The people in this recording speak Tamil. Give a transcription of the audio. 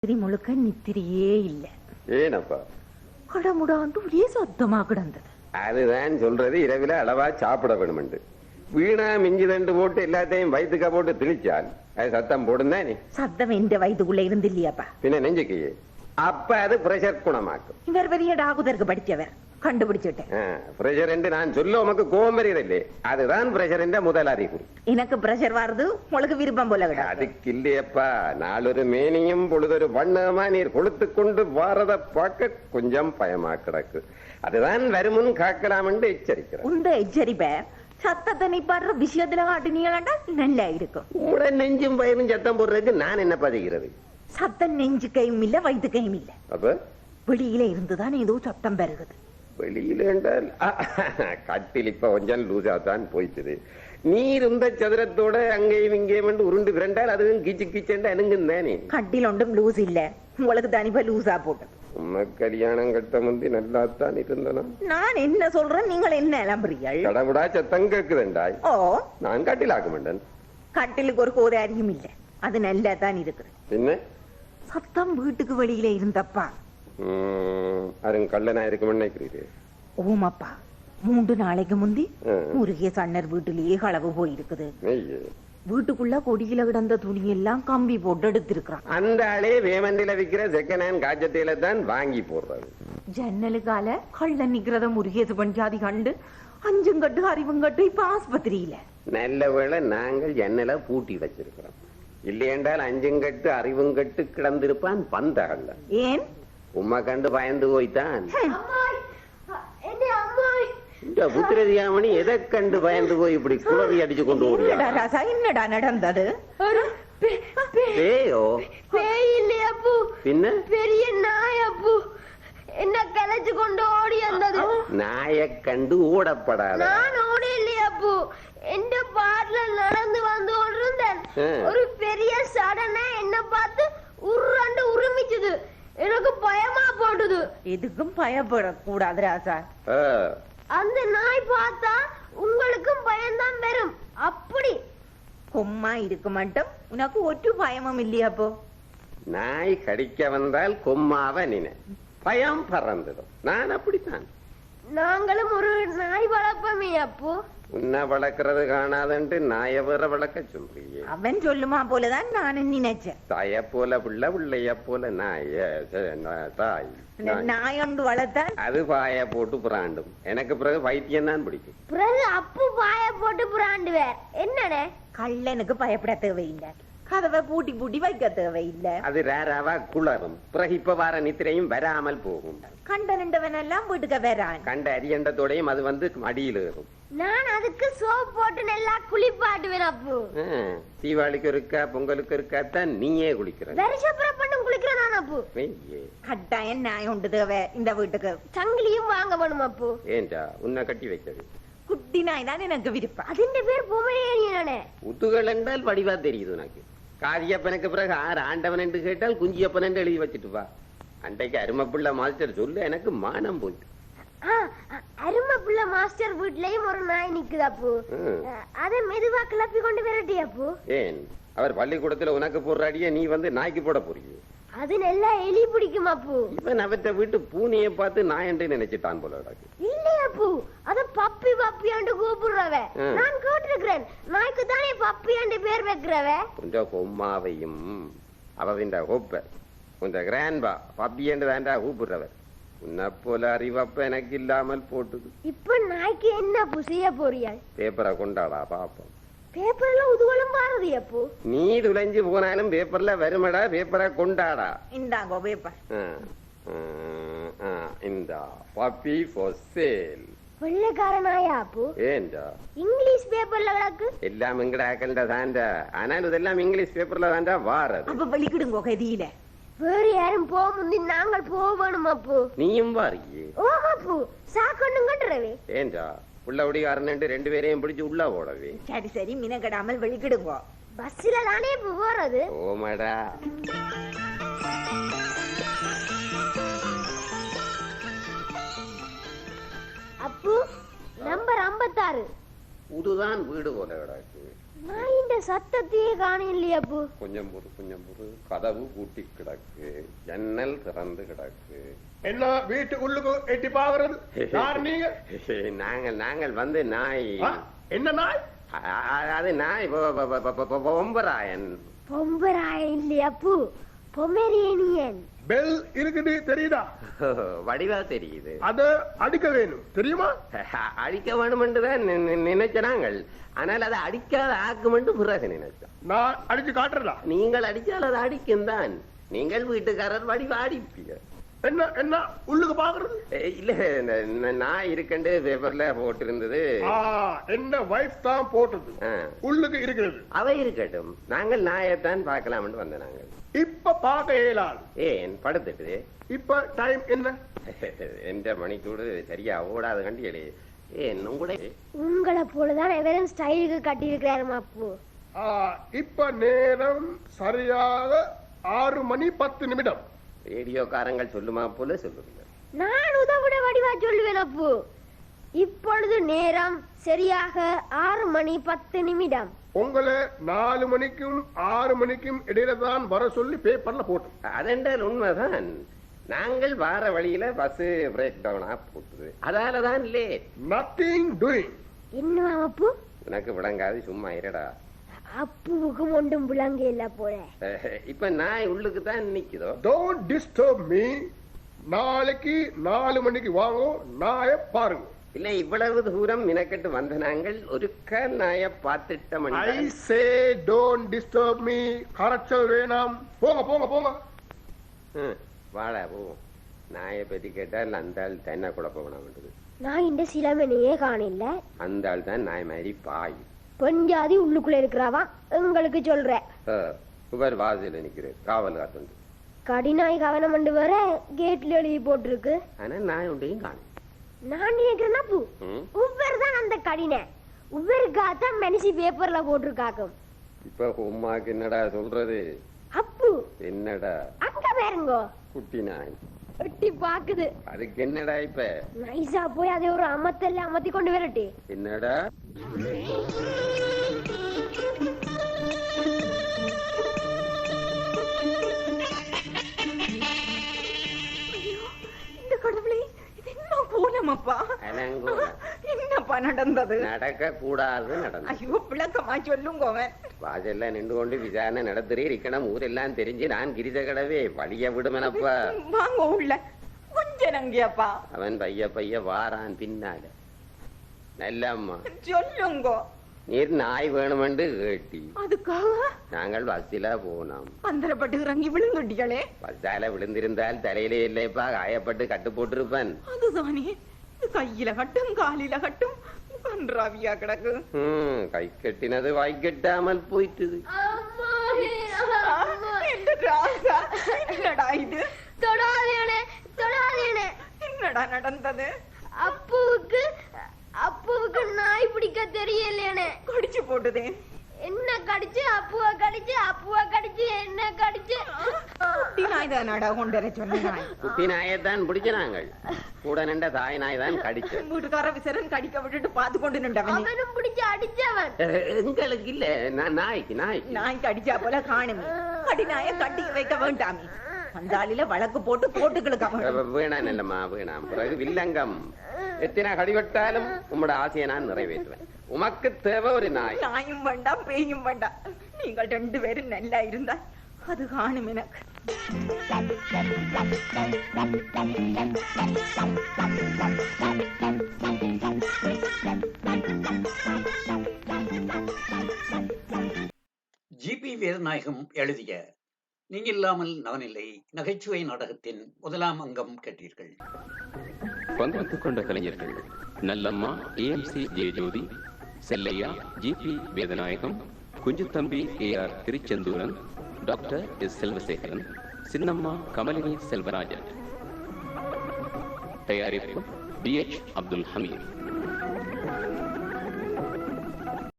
முழுக்க நித்திரியே இல்ல. ஏனப்பா? கடமுடாண்டு ஒரே சத்தமா கிடந்தது. அதுதான் சொல்றது, இரவில அளவா சாப்பிட வேணும். வீணா மிஞ்சி தண்டு போட்டு எல்லாத்தையும் வயிற்றுக்கா போட்டு திணிச்சால் அது சத்தம் போடும் தானே. சத்தம் எந்த வயிற்றுக்குள்ள இருந்து இல்லையாப்பா, பின்ன நெஞ்சுக்கு. அப்ப அது பிரஷர் குணமாக்கும். இவர் பெரிய டாகுதருக்கு படிச்சவர், கண்டுபிடிச்சுட்டேன். பிரஷர் என்று நான் சொல்ல உமக்கு கோபம் வருகிறதில்லை. அதுதான் பிரஷர் என்ற முதல் அறிகுறி. எனக்கு பிரஷர் வருது, உங்களுக்கு விருப்பம் போல கிடையாது. அதுக்கு இல்லையப்பா, நாளொரு மேனியும் பொழுதொரு வண்ணமா நீர் கொளுத்து கொண்டு வாரத பார்க்க கொஞ்சம் பயமா கிடக்கு. அதுதான் வருமுன் காக்கலாம் என்று எச்சரிக்கிறேன். உந்த எச்சரிப்ப சத்தத்தை நிப்பாடுற விஷயத்துல காட்டினீங்களாண்டா நல்லா இருக்கும். உங்களோட நெஞ்சும் பயனும் சத்தம் போடுறதுக்கு நான் என்ன பதிகிறது? சத்தம் நெஞ்சு கையும் இல்ல, வயிற்று கையும் இல்ல. அப்ப வெளியில இருந்துதான் ஏதோ சத்தம் பெருகுது. வெளியில என்றால் கட்டில் இப்ப கொஞ்சம் லூசா தான் போயிட்டுது. நீர் இந்த சதுரத்தோட அங்கேயும் இங்கேயும் உருண்டு விரண்டால் அதுவும் கிச்சு கிச்சண்டா எனங்கும் தானே. கட்டில் ஒன்றும் லூஸ் இல்ல, உங்களுக்கு தனிப்பா லூசா போட்டது. உண்மை கல்யாணம் கட்ட முந்தி நல்லா தான் இருந்தனா. நான் என்ன சொல்றேன், நீங்கள் என்ன இளம்புறீர்கள்? கடவுடா சத்தம் கேக்குதுண்டாய். ஓ, நான் கட்டில் ஆக்க மாட்டேன். கட்டிலுக்கு ஒரு கோதாரியும் இல்ல, அது நல்லா தான் இருக்குது. என்ன சத்தம் வீட்டுக்கு வெளியில இருந்தப்பா. கள்ளனா இருக்கும் நினைக்கிறீரு? ஓமாப்பா, 3 நாளைக்கு முந்தி முருகேச அண்ணர் வீட்டிலேயே களவு போயிருக்குது. வீட்டுக்குள்ள கொடியில கிடந்த துணி எல்லாம் கம்பி போட்டு எடுத்திருக்கான். அந்த ஆளே வேமந்தில விக்கிற செகண்ட் ஹேண்ட் காஜத்தில தான் வாங்கி போடுறது. ஜன்னலுக்கால கள்ள நிக்கிறத முருகேச பஞ்சாதி கண்டு அஞ்சுங்கட்டு அறிவுங்கட்டு இப்ப ஆஸ்பத்திரியில. நல்ல வேளை நாங்கள் ஜன்னல பூட்டி வச்சிருக்கிறோம். இல்லையென்றால் அஞ்சுங்கட்டு அறிவுங்கட்டு கிடந்திருப்பான் பந்தகல்ல. ஏன் உம்மா கண்டு பயந்து போய்தான். இந்த புத்திரதியாமணி எதை கண்டு பயந்து போய் இப்படி குளறி அடிச்சு கொண்டு ஓடியா? என்னடா நடந்தது? பேயோ? பேய் இல்லையப்பு, பின்ன பெரிய நாயப்பு என்ன கலைச்சு கொண்டு ஓடி வந்தது. நாயை கண்டு ஓடப்படாத. நான் ஓடி இல்லையப்பு, எந்த பாட்டுல நடந்து வந்து கொண்டிருந்தேன். ஒரு பெரிய சடனா என்ன பார்த்து உருண்டு உருமிச்சுது. எனக்கு பயமா போட்டுது. எதுக்கும் பயப்படக்கூடாது ராசா. அந்த நாய் பார்த்தா உங்களுக்கும் பயம்தான் வரும். அப்படி கொம்மா இருக்க மாட்டோம், உனக்கு ஒற்று பயமும் இல்லையாப்போ. நாய் கடிக்க வந்தால் கொம்மாவ நினை, பயம் பறந்துடும். நான் அப்படித்தான். நாங்களும் ஒரு நாய் வளர்ப்போமே அப்போ. உன்னை வளர்க்கறது காணாதன்ட்டு நாய வேற வளர்க்க சொல்றியே. அவன் சொல்லுமா போலதான் நானும் நினைச்சேன். தாய போல பிள்ளை, பிள்ளைய போல நாய. தாய் நாயொண்டு வளர்த்தான் அது பாய போட்டு புறாண்டும். எனக்கு பிறகு வைத்தியம் தான் பிடிக்கும். பிறகு அப்பு பாய போட்டு புறாண்டுவேர். என்னடே, கள்ளனுக்கு பயப்பட தேவையில்லை, கதவை பூட்டி பூட்டி வைக்க தேவையில்லை. அது ரேராவா குளரும். பிறகு இப்ப வார நித்திரையும் வராமல் போகும். கண்ட நின்றவன் எல்லாம் வீட்டுக்கு வரான். கண்ட அரியண்டத்தோடையும் அது வந்து அடியில் ஏறும். நான் அதுக்கு சோப் போட்டு நல்லா குளிப்பாட்டுவேன் அப்பு. தீபாவளிக்கு இருக்கா, பொங்கலுக்கு இருக்காத்தான் நீயே குளிக்கிற. வருஷப்புறப்பண்ணும் குளிக்கிறேன் நான் அப்பு. கட்டாயம் நாய் உண்டு தேவை இந்த வீட்டுக்கு. சங்கிலியும் வாங்க வேணும் அப்பு. ஏண்டா உன்னை கட்டி வைக்கிறது? குட்டி நாய் தான் எனக்கு விருப்பம். அதிന്റെ பேர் பொமரேனியனே. உத்துகள் என்றால் வடிவா தெரியுது உனக்கு. காதியப்பனுக்கு பிறகு ஆறு ஆண்டவன் என்று கேட்டால் குஞ்சியப்பன் என்று எழுதி வச்சுட்டு வா. அன்றைக்கு அருமப்புள்ள மாஸ்டர் சொல்லு, எனக்கு மானம் போயிட்டு. அருமப்புள்ள மாஸ்டர் வீட்லயும் ஒரு நாய் நிக்குது அப்பு. அதை மெதுவா கிளப்பி கொண்டு விரட்டி அப்பு. ஏன் அவர் பள்ளிக்கூடத்துல உனக்கு போடுற அடிய நீ வந்து நாய்க்கு போட போறீங்க? அது நல்லா எலி பிடிக்கும் அப்பு. இவன் அவற்ற வீட்டு பூனையை பார்த்து நாய் என்று நினைச்சிட்டான் போல. இல்லையா அப்பு, அத பப்பி பப்பியாண்டு கூப்பிடுறவ நான் கேட்டிருக்கிறேன். நாய்க்கு தானே பப்பியாண்டு பேர் வைக்கிறவ. கொஞ்சம் கொம்மாவையும் அவவின் ஹோப்ப கொஞ்சம் கிராண்ட்பா பப்பியாண்டு தாண்டா கூப்பிடுறவர். உன்னை போல அறிவப்ப எனக்கு இல்லாமல் போட்டுது. இப்ப நாய்க்கு என்ன புசிய போறியா? பேப்பரை கொண்டாடா பாப்போம். பேப்பர்ல உதுவலும் பாரதி அப்பு. நீ துளைஞ்சு போனாலும் பேப்பர்ல வருமடா, பேப்பரை கொண்டாடா. இந்தாங்கோ பேப்பர். இந்த பப்பி ஃபார் சேல். வெள்ளைக்கார நாயா அப்பு? ஏண்டா இங்கிலீஷ் பேப்பர்ல கிடக்கு. எல்லாம் எங்கடாக்கல்டா தாண்டா. ஆனால் இதெல்லாம் இங்கிலீஷ் பேப்பர்ல தாண்டா வாரது. அப்ப வெளிக்கிடுங்கோ கதியில. வேறு யாரும் போக முந்தி நாங்கள் போகணும் அப்பு. நீயும் வாரியே. ஓ அப்பு, சாக்கொண்ணும் கட்டுறவே. ஏண்டா உள்ளபடிக்காரன் 2 பேரையும் பிடிச்சு உள்ள ஓடவே. சரி சரி, மினக்கடாமல் வெளிக்கிடுங்கோ. பஸ்ல தானே போறது. ஓமடா. அப்பு, நம்பர் 56. புதுதான் வீடு போல கிடக்கு. நான் இந்த சத்தத்தையே காணலையே அப்பு. கொஞ்சம் பொறு கதவு பூட்டி கிடக்கு, ஜன்னல் திறந்து கிடக்கு. என்ன வீட்டு உள்ளுக்கு எட்டி பாக்குறது? நாங்கள் வந்து நாய். என்ன நாய்? அது நாய் பொம்பராயன். பொம்பராயன் இல்லையா அப்பு, பொமரேனியன். பெல் இருக்குது தெரியுதா? வடிவா தெரியுது. அத அடிக்க வேணும் தெரியுமா? அடிக்க வேணும்ன்றுதான் நினைச்ச நாங்கள். ஆனால் அதை அடிக்காத ஆக்குமென்று பிறகு நினைச்சோம். நான் அடிச்சு காட்டுறதா? நீங்கள் அடிச்சால் அது அடிக்கும் தான். நீங்கள் வீட்டுக்காரர் வடிவா அடிப்பீங்க. என்ன என்ன உள்ளுக்கு பாக்குறது? இல்ல நான் இருக்கண்டு பேப்பர்ல போட்டு இருந்தது. என்ன வைஃப் தான் போட்டது உள்ளுக்கு இருக்கிறது. அவை இருக்கட்டும், நாங்கள் நாயத்தான் பார்க்கலாம்னு வந்த நாங்கள். இப்ப பார்க்க இயலாது. ஏன் படுத்துட்டு? இப்ப டைம் என்ன? எந்த மணிக்கூடு சரியா ஓடாது கண்டியலே. ஏன் உங்களை போலதான் எவரும் ஸ்டைலுக்கு கட்டி இருக்கிறாரு அப்பு. இப்ப நேரம் சரியாக 6:10. ரேடியோக்காரங்கள் சொல்லுமா போல சொல்லுங்க. நான் உதவிட வடிவா சொல்லுவேன் அப்பு. இப்பொழுது நேரம் சரியாக 6:10. உங்களை 4 மணிக்கும் 6 மணிக்கும் இடையில தான் வர சொல்லி பேப்பர்ல போட்டோம். அதென்றால் உண்மைதான். நாங்கள் வார வழியில பஸ் பிரேக் டவுனா போட்டுது, அதாலதான் லேட். Nothing doing. என்ன அப்பு? எனக்கு விளங்காது, சும்மா இருடா. அப்புவுக்கு ஒன்றும் விளங்க இல்ல போல. இப்ப நாய் உள்ளுக்கு தான் நிக்குதோ. Don't disturb me. நாளைக்கு 4 மணிக்கு வாங்க, நாய பாருங்க. இல்ல இவ்வளவு தூரம் மினக்கட்டு வந்த நாங்கள் ஒரு நாய பார்த்துட்டோம். I say don't disturb me. கரைச்சல் வேணாம். போங்க போங்க போங்க. வாடா போ. நாயை பத்தி கேட்டால் அந்த ஆள் தன்னை குழப்ப வேணாம். நான் இந்த சிலமனையே காணல. அந்த ஆள் தான் நாய் மாதிரி பாய். பெண் ஜாதி உள்ளுக்குள்ள இருக்கிறாவா உங்களுக்கு சொல்ற. இவர் வாசல நிக்கிறேன், காவல் காத்து. கடிநாய் கவனம் பண்ணு வர கேட்ல எழுதி போட்டிருக்கு. ஆனா நாய் உண்டையும் காணும். நான் நினைக்கிறேன்னா பூ உவ்வர் தான் அந்த கடினை. உவ்வருக்காத்தான் மனுஷி பேப்பர்ல போட்டிருக்காக்கும். இப்ப உமாக்கு என்னடா சொல்றது? அப்பு என்னடா அங்க பாருங்க, குட்டி நாய் எட்டி பாக்குது. அதுக்கு என்னடா இப்ப? நைஸா போய் அதை ஒரு அமத்தல்ல அமத்தி கொண்டு வரட்டி. என்னடா என்னப்பா நடந்தது? நடக்க கூடாது நடந்தது. ஐயோ விளக்கமா சொல்லுங்க. வாசல்ல நின்று கொண்டு விசாரணை நடத்துறே இருக்கணும். ஊரெல்லாம் தெரிஞ்சு நான் கிரிச கடவே வழிய விடுமனப்பா. வாங்க உள்ள கொஞ்சம் நங்கியப்பா. அவன் பைய வாரான் பின்னால. நல்லம்மா சொல்லுங்க. நீர் நாய் வேணுமென்று கேட்டி அதுக்காக நாங்கள் பஸ்ஸில போனோம். அந்தரப்பட்டு இறங்கி விழுந்துட்டீங்களே. பஸ்ஸால விழுந்திருந்தால் தலையிலே இல்லைப்பா, காயப்பட்டு கட்டு போட்டிருப்பேன். அதுதானே, கையில கட்டும் காலில கட்டும் கன்றாவியா கிடக்கு. கை கட்டினது வாய் கட்டாமல் போயிட்டு. என்னடா இது? என்னடா நடந்தது? அப்புவுக்கு நாய் பிடிக்க தெரியலையே. கடிச்சு போட்டுதே. என்ன கடிச்சு? அப்புவ கடிச்சு, அப்புவ கடிச்சு, என்ன கடிச்சு? குட்டி நாய் தானடா கொண்டு வர சொன்ன. குட்டி நாயத்தான் பிடிச்ச நாங்கள். கூட நின்ற தாய் நாய் தான் கடிச்ச. வீட்டுக்கார விசரன் கடிக்க விட்டுட்டு பாத்து கொண்டு நின்றவன். அவனும் பிடிச்சு அடிச்சவன். எங்களுக்கு இல்ல, நாய்க்கு நாய்க்கு அடிச்சா போல காணுமே. கடி நாய கட்டி வைக்க வேண்டாமே. அந்த ஆளில வழக்கு போட்டு கோட்டுகளுக்கு வேணாம். இல்லம்மா வேணாம். பிறகு வில்லங்கம். எத்தனை கடிவட்டாலும் உங்களோட ஆசையை நான் நிறைவேற்றுவேன். உமக்கு தேவை ஒரு நாய். நாயும் வேண்டாம் பேயும் வேண்டாம். நீங்கள் 2 பேரும் நல்லா இருந்தா அது காணும் எனக்கு. ஜிபி வேதநாயகம் எழுதிய நீங்கள் இல்லாமல் நான் இல்லை நகைச்சுவை நாடகத்தின் 1ஆம் அங்கம் கேட்டீர்கள். பங்கெடுத்துக் கொண்ட கலைஞர்கள்: Nallamma AMC Jayajothi, Sellaiya GB Vethanayagam, Kunjuthambi AR Thiruchendooran, doctor S Selvasekaran, Chinnamma Kamalini Selvarajan. தயாரிப்பு DH அப்துல் ஹமீத்.